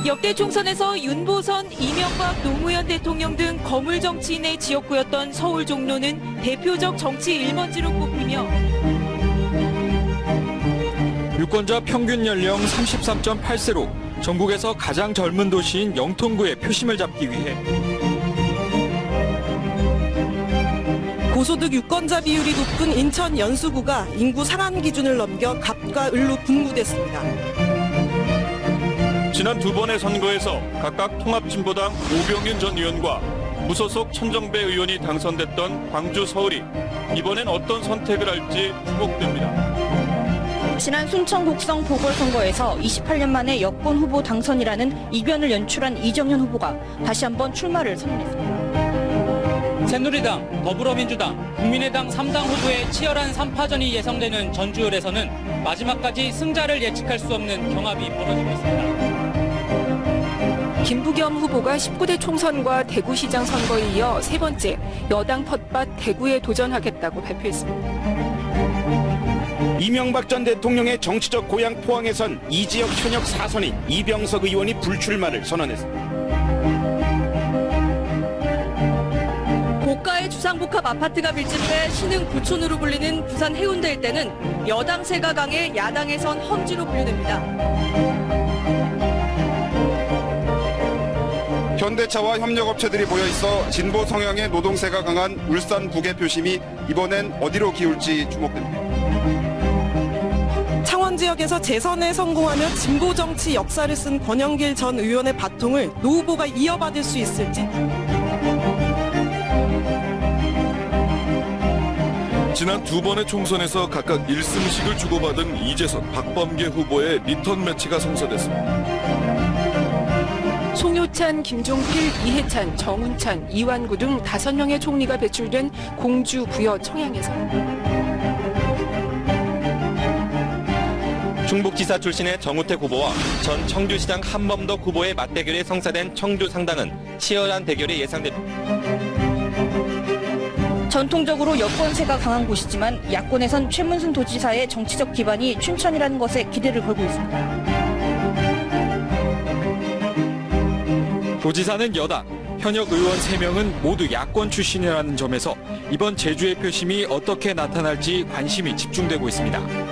역대 총선에서 윤보선, 이명박, 노무현 대통령 등 거물 정치인의 지역구였던 서울 종로는 대표적 정치 1번지로 꼽히며 유권자 평균 연령 33.8세로 전국에서 가장 젊은 도시인 영통구의 표심을 잡기 위해 고소득 유권자 비율이 높은 인천 연수구가 인구 상한 기준을 넘겨 갑과 을로 분구됐습니다. 지난 두 번의 선거에서 각각 통합진보당 오병윤 전 의원과 무소속 천정배 의원이 당선됐던 광주, 서울이 이번엔 어떤 선택을 할지 주목됩니다. 지난 순천 곡성 보궐선거에서 28년 만에 여권 후보 당선이라는 이변을 연출한 이정현 후보가 다시 한번 출마를 선언했습니다. 새누리당, 더불어민주당, 국민의당 3당 후보의 치열한 3파전이 예상되는 전주을에서는 마지막까지 승자를 예측할 수 없는 경합이 벌어지고 있습니다. 김부겸 후보가 19대 총선과 대구시장 선거에 이어 세 번째 여당 텃밭 대구에 도전하겠다고 발표했습니다. 이명박 전 대통령의 정치적 고향 포항에선 이 지역 현역 4선인 이병석 의원이 불출마를 선언했습니다. 고가의 주상복합 아파트가 밀집해 신흥 부촌으로 불리는 부산 해운대 일대는 여당세가 강해 야당에선 험지로 분류됩니다. 현대차와 협력업체들이 모여있어 진보 성향의 노동세가 강한 울산 북의 표심이 이번엔 어디로 기울지 주목됩니다. 창원 지역에서 재선에 성공하며 진보 정치 역사를 쓴 권영길 전 의원의 바통을 노 후보가 이어받을 수 있을지. 지난 두 번의 총선에서 각각 1승씩을 주고받은 이재선, 박범계 후보의 리턴 매치가 성사됐습니다. 송효찬, 김종필, 이해찬, 정운찬, 이완구 등 5명의 총리가 배출된 공주 부여 청양에서 충북지사 출신의 정우택 후보와 전 청주시장 한범덕 후보의 맞대결에 성사된 청주 상당은 치열한 대결이 예상됩니다. 전통적으로 여권세가 강한 곳이지만 야권에선 최문순 도지사의 정치적 기반이 춘천이라는 것에 기대를 걸고 있습니다. 도지사는 여당, 현역 의원 3명은 모두 야권 출신이라는 점에서 이번 제주의 표심이 어떻게 나타날지 관심이 집중되고 있습니다.